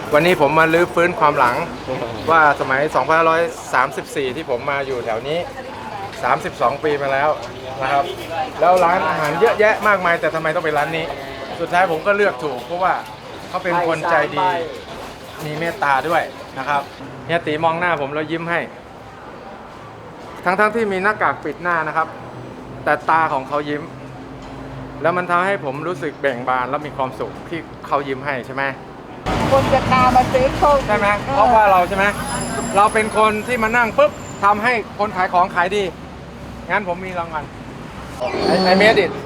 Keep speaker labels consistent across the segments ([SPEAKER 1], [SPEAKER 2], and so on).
[SPEAKER 1] วันนี้ผมมาลื้อฟื้นความหลังว่าสมัย 2534 ที่ผมมาอยู่แถวนี้ 32 ปีมาแล้วนะครับแล้วร้านอาหารเยอะแยะมากมายแต่ทำไมต้องเป็นร้านนี้ สุดท้ายผมก็เลือกถูกเพราะว่าเขาเป็นคนใจดีมีเมตตาด้วยนะครับเฮียตีมองหน้าผมแล้วยิ้มให้ทั้งที่มีหน้ากากปิดหน้านะครับแต่ตาของเขายิ้มแล้วมันทำให้ผมรู้สึกเบ่งบานและมีความสุขที่เขายิ้มให้ใช่ไหม
[SPEAKER 2] คนจะตามมาซื้อโชค
[SPEAKER 1] ใช่ไหมเพราะว่าเราใช่ไหมเราเป็นคนที่มานั่งปุ๊บทำให้คนขายของขายดีงั้นผมมีรางวัลI made it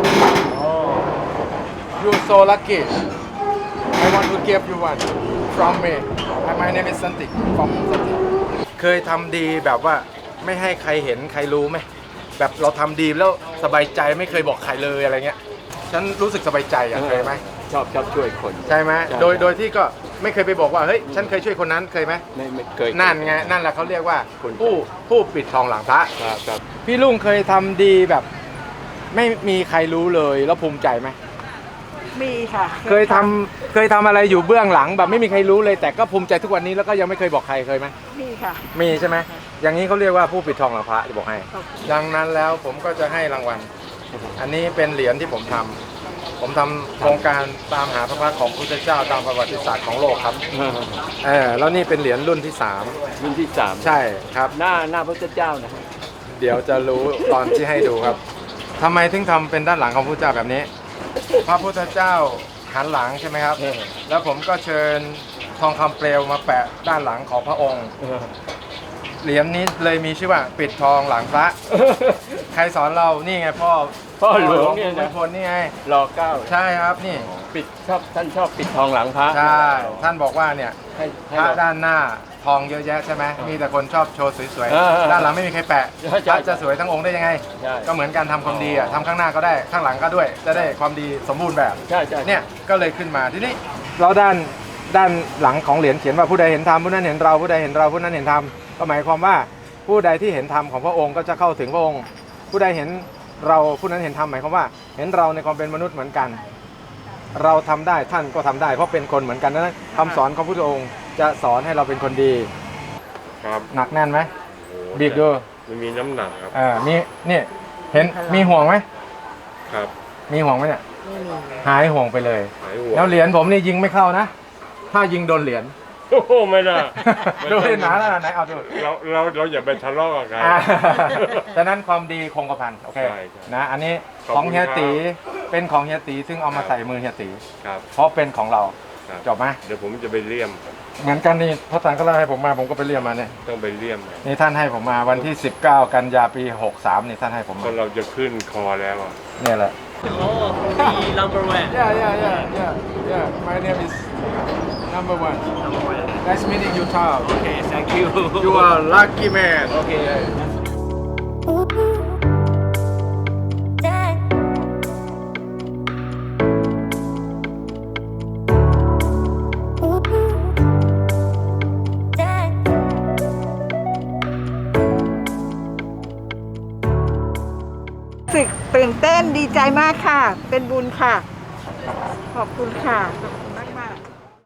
[SPEAKER 1] you so lucky I want to give you one from me my name is Santik from Santik เคยทำดีแบบว่าไม่ให้ใครเห็นใครรู้ไหมแบบเราทำดีแล้วสบายใจไม่เคยบอกใครเลยอะไรเงี้ยฉันรู้สึกสบายใจเคยไหม
[SPEAKER 3] ชอบช่วยคน
[SPEAKER 1] ใช่ไหมโดยที่ก็ไม่เคยไปบอกว่าเฮ้ยฉันเคยช่วยคนนั้นเคยไหม
[SPEAKER 3] ไม่เคย
[SPEAKER 1] นั่นไงนั่นแหละเขาเรียกว่าผู้ปิดทองหลังพระ
[SPEAKER 3] ครับ
[SPEAKER 1] พี่ลุงเคยทำดีแบบไม่มีใครรู้เลยแล้วภูมิใจไหม
[SPEAKER 2] มีค่ะ
[SPEAKER 1] เคยทำอะไรอยู่เบื้องหลังแบบไม่มีใครรู้เลยแต่ก็ภูมิใจทุกวันนี้แล้วก็ยังไม่เคยบอกใครเคยไหม
[SPEAKER 2] มีค่ะ
[SPEAKER 1] มีใช่ไหมอย่างนี้เขาเรียกว่าผู้ปิดทองหลังพระจะบอกให้ดังนั้นแล้วผมก็จะให้รางวัลอันนี้เป็นเหรียญที่ผมทำโครงการตามหาพระพักตร์ของพระพุทธเจ้าตามประวัติศาสตร์ของโลกครับแล้วนี่เป็นเหรียญรุ่นที่3ใช่ครับ
[SPEAKER 3] หน้าพระพุทธเจ้านะ
[SPEAKER 1] เดี๋ยวจะรู้ตอนที่ให้ดูครับทำไมถึงทำเป็นด้านหลังของพระพุทธเจ้าแบบนี้พระพุทธเจ้าหันหลังใช่ไหมครับแล้วผมก็เชิญทองคำเปลวมาแปะด้านหลังของพระองค์เหรียญนี้เลยมีชื่อว่าปิดทองหลังพระใครสอนเรานี่ไงพ่อ
[SPEAKER 3] หลวงเนี่ยนะ
[SPEAKER 1] คนนี่ไง
[SPEAKER 3] ร.9
[SPEAKER 1] ใช่ครับนี่
[SPEAKER 3] ท่านชอบปิดทองหลังพระ
[SPEAKER 1] ใช่ท่านบอกว่าเนี่ยพระด้านหน้าทองเยอะแยะใช่ไหมมีแต่คนชอบโชว์สวยๆด้านหลังไม่มีใครแปะจะสวยทั้งองค์ได้ยังไงก็เหมือนการทำความดีอ่ะทำข้างหน้าก็ได้ข้างหลังก็ด้วยจะได้ความดีสมบูรณ์แบบเนี่ยก็เลยขึ้นมาทีนี้เราด้านหลังของเหรียญเขียนว่าผู้ใดเห็นธรรมผู้นั้นเห็นเราผู้ใดเห็นเราผู้นั้นเห็นธรรมก็หมายความว่าผู้ใดที่เห็นธรรมของพระองค์ก็จะเข้าถึงพระองค์ผู้ใดเห็นเราผู้นั้นเห็นธรรมหมายความว่าเห็นเราในความเป็นมนุษย์เหมือนกันเราทำได้ท่านก็ทำได้เพราะเป็นคนเหมือนกันนั้นคำสอนของพระพุทธองค์จะสอนให้เราเป็นคนดี
[SPEAKER 4] ครับ
[SPEAKER 1] หนักแน่นไหมบีบดู
[SPEAKER 4] มันมีน้ำหนักครับ
[SPEAKER 1] มีนี่เห็นมีห่วงไหม
[SPEAKER 4] ครับ
[SPEAKER 1] มีห่วงไหมเนี่ยหายห่วงไปเลย
[SPEAKER 4] แล้ว
[SPEAKER 1] เหรียญผมนี่ยิงไม่เข้านะถ้ายิงโดนเหรียญ
[SPEAKER 4] โอ้โหไม่ได้
[SPEAKER 1] ดูให้หนาแล้วไหนเอาดู
[SPEAKER 4] เราอย่าไปทะเลาะกัน
[SPEAKER 1] ดังนั้นความดีคงกระพันโอเคนะอันนี้ของเฮียตีเป็นของเฮียตีซึ่งเอามาใส่มือเฮียตีเพราะเป็นของเราจบไหม
[SPEAKER 4] เดี๋ยวผมจะไปเลี่ยม
[SPEAKER 1] เหมือนกันนี่พระอาจารย์ก็เล่าให้ผมมาผมก็ไปเลี่ยมมาเนี่ย
[SPEAKER 4] ต้องไปเลี่ยม
[SPEAKER 1] นี่ท่านให้ผมมาวันที่19 กันยาปี63นี่ท่านให้ผมมา
[SPEAKER 4] เราจะขึ้นคอแล้ว
[SPEAKER 1] เนี่ยแหละ
[SPEAKER 3] number one
[SPEAKER 1] yeah my name is number one nice meeting you Tom
[SPEAKER 3] okay thank you
[SPEAKER 1] you are lucky man
[SPEAKER 3] okay
[SPEAKER 2] ตื่นเต้นดีใจมากค่ะเป็นบุญค่ะขอบคุณค่ะ